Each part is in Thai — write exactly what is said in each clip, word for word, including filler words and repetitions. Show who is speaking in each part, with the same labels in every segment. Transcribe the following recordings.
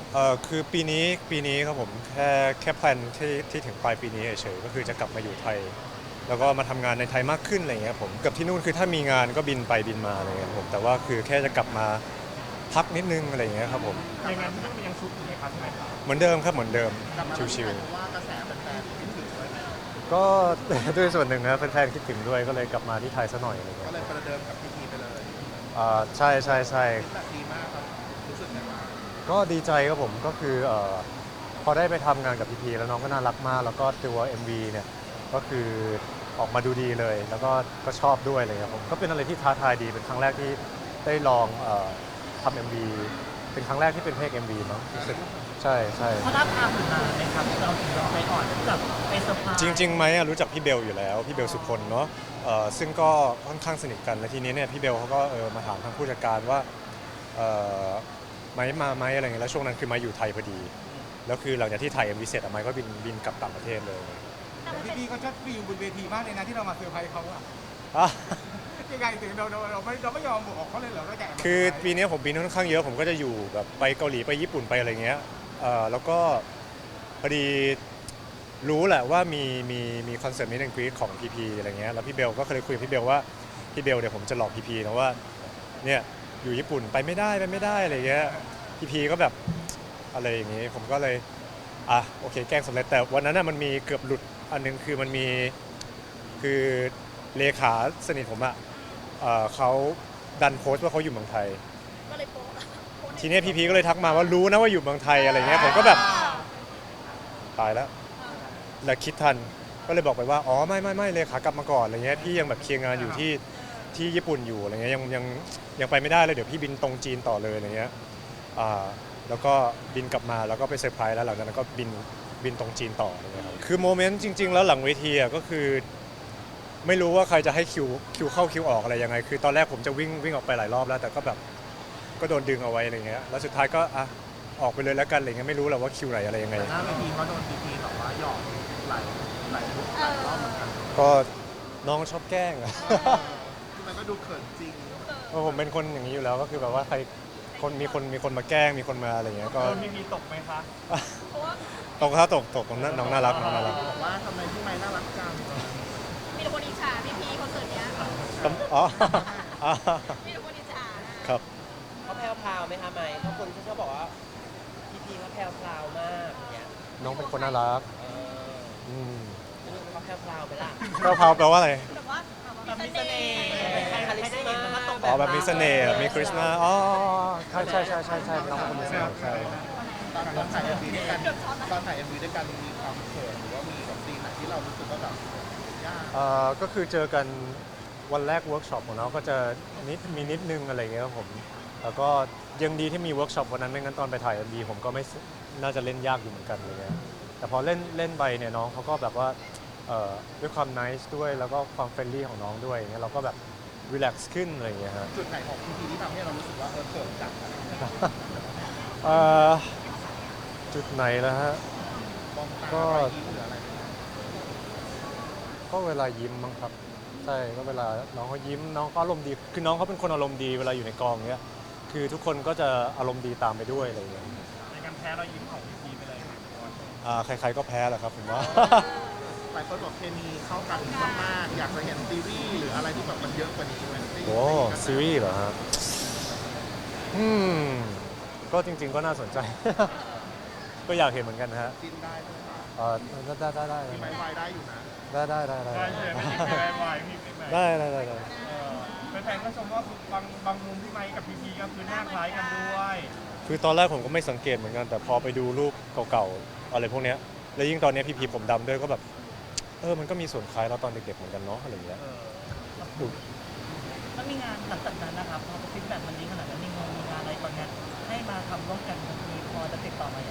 Speaker 1: เอ่อคือปีนี้ปีนี้ครับผมแค่แค่แพลนที่ที่ถึงปลายปีนี้เฉยๆก็คือจะกลับมาอยู่ไทยแล้วก็มาทำงานในไทยมากขึ้นอะไรเงี้ยผมกับที่นู่นคือถ้ามีงานก็บินไปบินมาอะไรเงี้ยครับผมแต่ว่าคือแค่จะกลับมาพักนิดนึงอะไรเงี้ยครับผม
Speaker 2: อย่างนั้นที่ต้องยังชุดอยู่ในครับใช่ไหมครับ
Speaker 1: เหมือนเดิมครับเหมือนเดิม
Speaker 3: กลับมาที่
Speaker 1: ชิว
Speaker 3: ไทยเพราะว่ากระแสแฟนๆคิดถึงด้วยไหม
Speaker 1: ๆก็ด้วยส่วนหนึ่งนะแฟนๆคิดถึงด้วยก็เลยกลับมาที่ไทยซะหน่อยอะไรเงี้
Speaker 3: ก็
Speaker 1: ย
Speaker 3: เลยประเดิมกับพีพีไปเลย
Speaker 1: อ่าใช่ใช่ใช่
Speaker 3: แต่ดีมากครับรู้สึกไงบ้าง
Speaker 1: ก็ดีใจครับผมก็คือเอ่อพอได้ไปทำงานกับพีพีแล้วน้องก็น่ารักมากแล้วก็ตัว เอ็ม วี เนี่ยก็คือออกมาดูดีเลย แล้วก็ก็ชอบด้วยอะไรเลยครับผมก็เป็นอะไรที่ท้าทายดีเป็นครั้งแรกที่ได้ลองเอ่อทำ เอ็ม วี เป็นครั้งแรกที่เป็นเพลง เอ็ม วี เนาะรู้สึกใช่ใช่
Speaker 2: เขาท้าทายถึงนานไหมครับเราถึงเราไปอ่อนแบบไปเซอร์ไพรส์
Speaker 1: จริงๆไหมอะรู้จักพี่เบลอยู่แล้วพี่เบลสุพลเนาะเอ่อซึ่งก็ค่อนข้างสนิทกันและทีนี้เนี่ยพี่เบลเขาก็เออมาถามทางผู้จัดการว่าเอ่อไม้มาไหมอะไรเงี้ยแล้วช่วงนั้นคือไม้อยู่ไทยพอดีแล้วคือหลังจากที่ถ่าย เอ็ม วี เสร็จอะไม้ก็บินบินกลับต่างประเทศเลย
Speaker 3: พี่พีเขาชอบฟิลบนเวทีมากเลยนะที่เรามาเซอร์ไพรส์เขาอะ
Speaker 1: อ่ะ
Speaker 3: ยังไงถึงเราเราเราไม่เราไม่ยอมบอกเขาเลยเหรอเราแก
Speaker 1: คือปีนี้ผมบินค่อนข้างเยอะผมก็จะอยู่แบบไปเกาหลีไปญี่ปุ่นไปอะไรเงี้ยเอ่อแล้วก็พอดีรู้แหละว่ามีมีมีคอนเสิร์ตมิสแอนด์กรีดของพีพีอะไรเงี้ยแล้วพี่เบลก็เคยคุยกับพี่เบลว่าพี่เบลเดี๋ยวผมจะหลอกพีพีนะว่าเนี่ยอยู่ญี่ปุ่นไปไม่ได้ไปไม่ได้อะไรเงี้ยพีพีก็แบบอะไรอย่างงี้ผมก็เลยอ่ะโอเคแกล้งสำเร็จแต่วันนั้นน่ะมันมีเกือบหลุดอันนึงคือมันมีคือเลขาสนิทผมอะเอ่อเขาดันโพสต์ว่าเขาอยู่เมืองไทย
Speaker 4: ก็เลยโป๊ะโป๊ะใน
Speaker 1: ทีนี้พีพีก็เลยทักมาว่ารู้นะว่าอยู่เมืองไทยอะไรเงี้ยผมก็แบบตายแล้วแล้วคิดทันก็เลยบอกไปว่าอ๋อไม่ไม่ไม่เลยขากลับมาก่อนอะไรเงี้ยพี่ยังแบบเคลียร์งานอยู่ที่ที่ญี่ปุ่นอยู่อะไรเงี้ยยังยังยังไปไม่ได้เลยเดี๋ยวพี่บินตรงจีนต่อเลยอะไรเงี้ยอ่าแล้วก็บินกลับมาแล้วก็ไปเซอร์ไพรส์แล้วหลังจากนั้นก็บินบินตรงจีนต่ออะไรเงี้ยครับคือโมเมนต์จริงๆแล้วหลังเวทีอะก็คือไม่รู้ว่าใครจะให้คิวคิวเข้าคิวออกอะไรยังไงคือตอนแรกผมจะวิ่งวิ่งออกไปหลายรอบแล้วแต่ก็แบบ ก็โดนดึงเอาไว้อะไรเงี้ย แล้วสุดท้ายก็อ่ะออกไปเลยแล้วกันอะไรเงี้ยไม่รู้แหละว่าคิวไหนอะไรยังไง
Speaker 3: แต่หน้าเวทีเขาโดนพีพีแบบว่าหยอกหลายหลายมุกหลายรอบเหมือนกัน
Speaker 1: ก็น้องชอบแกล้งอะ
Speaker 3: ที่มันก็ดูเขินจริง
Speaker 1: เพราะผมเป็นคนอย่างนี้อยู่แล้วก็คือแบบว่าใครคนมีคนมีคนมาแกล้งมีคนมาอะไรเงี้ยก็
Speaker 2: โดนมีมีตกไหมคะ
Speaker 4: เพราะว่า
Speaker 1: ตกครับตกตกตรงนั้นน้องน่ารักน้องน่ารัก
Speaker 3: บอกว่าทำไมพี่ไม้น่ารักจัง
Speaker 4: มีแต่คนอิจฉาพี่พีคอนเสิร์ตเนี้ย
Speaker 1: อ๋ออ๋อ
Speaker 4: มีแต่คนอิจฉา
Speaker 1: ครับ
Speaker 5: เขาแพรวพราวไหมคะไหมเพราะคนเขาชอบบอกว่าพีพีเขาแพรวพราวมากอย่างเงี้ย
Speaker 1: น้องเป็นคนน่ารัก
Speaker 5: เออ
Speaker 1: อืม
Speaker 5: ไม่รู้เขาแพรวพราวไหมล่ะ
Speaker 1: แพรวๆแปลว่าอะไร
Speaker 4: แบบว่าแบบ
Speaker 2: มี
Speaker 4: มี
Speaker 2: เส
Speaker 4: เส
Speaker 2: น่
Speaker 4: น่
Speaker 2: ห์
Speaker 4: ห์
Speaker 5: ใครใครได้เห็นมันก็ตก
Speaker 1: อ๋อแบบมีเสน่ห์มีคริสต์มาสอ๋อใช่ใช่ใช่ใช่ใช่น้องเป็นคนมีเสน่ห์ใช่
Speaker 3: ตอนตอนถ่ายเอ็มวีด้วยกันตอนถ่ายเอ็มวีด้วยกันมีความเขินหรือว่ามีแบบซีนไหนที่เรารู้สึกว่าแบบยาก
Speaker 1: เอ่อก็คือเจอกันวันแรกเวิร์กช็อปของน้องก็จะนิดมีนิดนึงอะไรเงี้ยครับผมแล้วก็ยังดีที่มีเวิร์กช็อปวันนั้นไม่งั้นตอนไปถ่าย เอ็ม วี ผมก็ไม่น่าจะเล่นยากอยู่เหมือนกันอะไรเงี้ยแต่พอเล่นเล่นไปเนี่ยน้องเขาก็แบบว่าเอ่อด้วยความนิสด้วยแล้วก็ความเฟรนลี่ของน้องด้วยอย่างเงี้ยเราก็แบบรีแลกซ์ขึ้นอะไรเงี้ยฮะ
Speaker 3: จุดไหนของพีพีที่ทำให้เรารู้สึกว่าเออเขินจังอะไรอย่างเงี้ย
Speaker 1: เอ่อจุดไหนแล้วฮะ
Speaker 3: มองตา
Speaker 1: ก็
Speaker 3: รอยยิ้มหรืออะไรเนี่ย
Speaker 1: ก็เวลายิ้มมั้งครับใช่ก็เวลาน้องเขายิ้มน้องเขาอารมณ์ดีคือน้องเขาเป็นคนอารมณ์ดีเวลาอยู่ในกองเงี้ยคือทุกคนก็จะอารมณ์ดีตามไปด้วยอะไรเงี้ย
Speaker 2: ในการแพ้เรายิ้มของพีพีไปเลย
Speaker 1: อ่าใครๆก็แพ้แหละครับผมว่า
Speaker 3: หลายคนบอกเคมีเข้ากันมากๆอยากจะเห็นซีรีส์หรืออะไรที่แบบมันเยอะกว่านี้ไหม
Speaker 1: โอ้ซีรีส์เหรอฮะอืมก็จริงๆก็น่าสนใจ ก็อยากเห็นเหมือนกันนะฮะ
Speaker 3: จินได้ใช่ไหมคะ
Speaker 1: เออได้ได้ได้
Speaker 3: มีไม้วายได้อยู่นะ
Speaker 1: ได้ได้ได้ได้
Speaker 2: ได้
Speaker 1: ได้
Speaker 2: เลยไม่มีแพ้วายมีไม่แพ้
Speaker 1: ได้ได้ได้ได้
Speaker 2: แฟนๆก็ชมว่าบางบางมุมพี่ไมค์กับพีพีก็คือหน้าคล้ายกันด้วย
Speaker 1: คือตอนแรกผมก็ไม่สังเกตเหมือนกันแต่พอไปดูรูปเก่าๆอะไรพวกเนี้ยแล้วยิ่งตอนเนี้ยพีพีผมดำด้วยก็แบบเออมันก็มีส่วนคล้ายเราตอนเด็กๆเหมือนกันเนาะอะไรอย่างเงี้ยดู
Speaker 2: มันมีงานหลังจากนั้นนะครับพอฟีดแบ็กมันดีขนาดนั้นมีงานมีงานอะไรตอนเนี้ยให้มาทำร่วมกันมีพอจะติดต่อมาอย่าง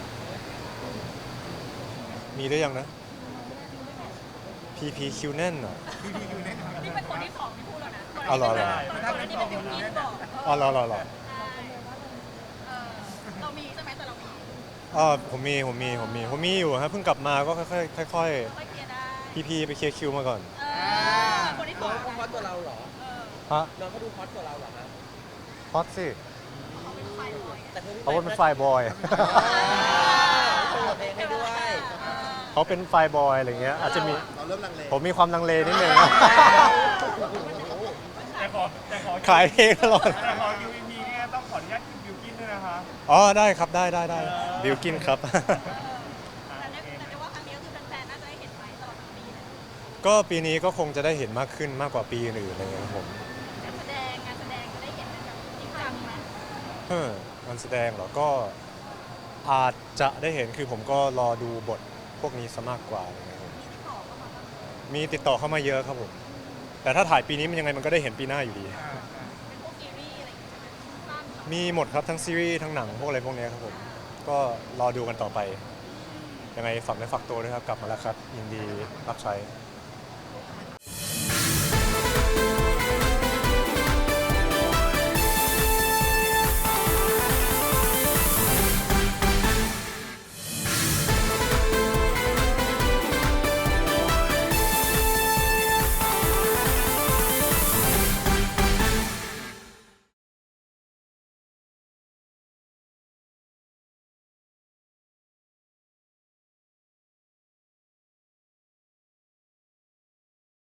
Speaker 1: มีได้ยังนะ พี พี คิว แน่นอ่ะ
Speaker 4: นี่เป็นคนที่สองที่พูดแล้วนะ
Speaker 1: อ๋อเหรอเหรอ
Speaker 4: ก่อนหน้านี้เป็นบิวกิ้นบอก
Speaker 1: อ๋อรอรอรอ
Speaker 4: ใช่เออเรามีใช่ไหมแต่เรามี
Speaker 1: อ๋อผมมีผมมีผมมีผมมีอยู่ฮะเพิ่งกลับมาก็ค่อยๆค่อย
Speaker 4: ค่อยเคลียร์ได้
Speaker 1: ๆพีพีไปเคลียร์คิวมาก่อน
Speaker 4: เออคนที่ส
Speaker 5: น้
Speaker 4: อ
Speaker 5: อง งเขาฮอตกว่าเราเหรอ
Speaker 4: เออ
Speaker 1: ฮะ
Speaker 5: น้องเขาดูฮอตกว่าเราเหรอฮะ
Speaker 1: ฮอตสิ
Speaker 4: เขาเป็นใครหน่อย
Speaker 5: แต่แต่คือพี่
Speaker 1: เขาเป็นฝ่ายบอย
Speaker 5: โปรโมทเพลงให้ด้วย
Speaker 1: เขาเป็นฝ่ายบอยอะไรเงี้ยอาจจะมี
Speaker 3: เราเริ่มลังเล
Speaker 1: ผมมีความลังเลนิดนึง
Speaker 2: แต่ขอแต่ขอ
Speaker 1: ขายเพลงตลอด
Speaker 2: แต่ขอ ยู วี พี เนี่ยต้องขออนุญาตกินบิวกินด้วยนะคะ
Speaker 1: อ๋อได้ครับได้ได้ได้บิวกินครับ
Speaker 4: แต่ได้แต่ได้ว่าครั้งนี้ก็คือแฟนๆน่าจะได้เห็นไหมตลอดทั้งปีเลย
Speaker 1: ก็ปีนี้ก็คงจะได้เห็นมากขึ้นมากกว่าปีอื่นๆอะไรเงี้ยครับผม
Speaker 4: การแสดงงานแสดงจะได้เห็นกันแบบจริงจังไหม
Speaker 1: เฮ้อการแสดงเหรอก็อาจจะได้เห็นคือผมก็รอดูบทพวกนี้ซะมากกว่าอะไรเงี้ยครับ
Speaker 4: มีติดต่อเข้ามาบ้างไหม
Speaker 1: มีติดต่อเข้ามาเยอะครับผมแต่ถ้าถ่ายปีนี้มันยังไงมันก็ได้เห็นปีหน้าอยู่ดี
Speaker 4: เป็นพวกซีรีส์อะไรอย่างเงี้ยสั้นเหรอ
Speaker 1: มีหมดครับทั้งซีรีส์ทั้งหนังพวกอะไรพวกเนี้ยครับผมก็รอดูกันต่อไปยังไงฝากเนื้อฝากตัวด้วยครับกลับมาแล้วครับยินดีรับใช้
Speaker 4: อ